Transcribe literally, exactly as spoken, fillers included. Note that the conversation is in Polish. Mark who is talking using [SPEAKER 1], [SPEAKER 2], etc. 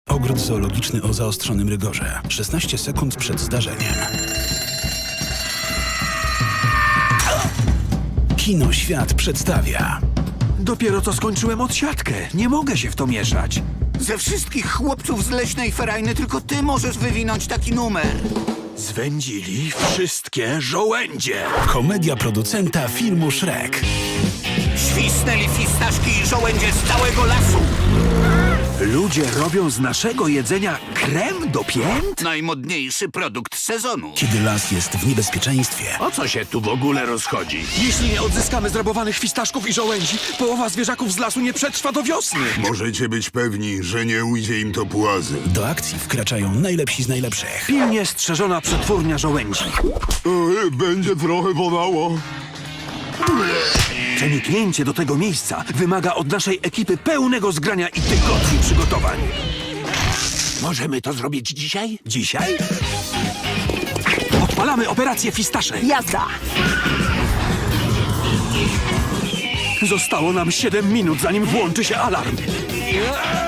[SPEAKER 1] Ogród zoologiczny o zaostrzonym rygorze. szesnaście sekund przed zdarzeniem. Kino Świat przedstawia.
[SPEAKER 2] Dopiero co skończyłem odsiadkę. Nie mogę się w to mieszać.
[SPEAKER 3] Ze wszystkich chłopców z Leśnej Ferajny tylko ty możesz wywinąć taki numer.
[SPEAKER 2] Zwędzili wszystkie żołędzie.
[SPEAKER 1] Komedia producenta filmu Shrek.
[SPEAKER 3] Świsnęli fistaszki i żołędzie z całego lasu.
[SPEAKER 2] Ludzie robią z naszego jedzenia krem do pięt?
[SPEAKER 3] Najmodniejszy produkt sezonu.
[SPEAKER 1] Kiedy las jest w niebezpieczeństwie,
[SPEAKER 4] O co się tu w ogóle rozchodzi?
[SPEAKER 2] Jeśli nie odzyskamy zrabowanych fistaszków i żołędzi, połowa zwierzaków z lasu nie przetrwa do wiosny.
[SPEAKER 5] Możecie być pewni, że nie ujdzie im to płazy.
[SPEAKER 1] do akcji wkraczają najlepsi z najlepszych.
[SPEAKER 2] Pilnie strzeżona przetwórnia żołędzi.
[SPEAKER 5] E, będzie trochę bolało.
[SPEAKER 2] Przeniknięcie do tego miejsca wymaga od naszej ekipy pełnego zgrania i tygodni przygotowań.
[SPEAKER 4] Możemy to zrobić dzisiaj?
[SPEAKER 2] Dzisiaj odpalamy operację Fistasze.
[SPEAKER 6] Jazda!
[SPEAKER 2] Zostało nam siedem minut, zanim włączy się alarm.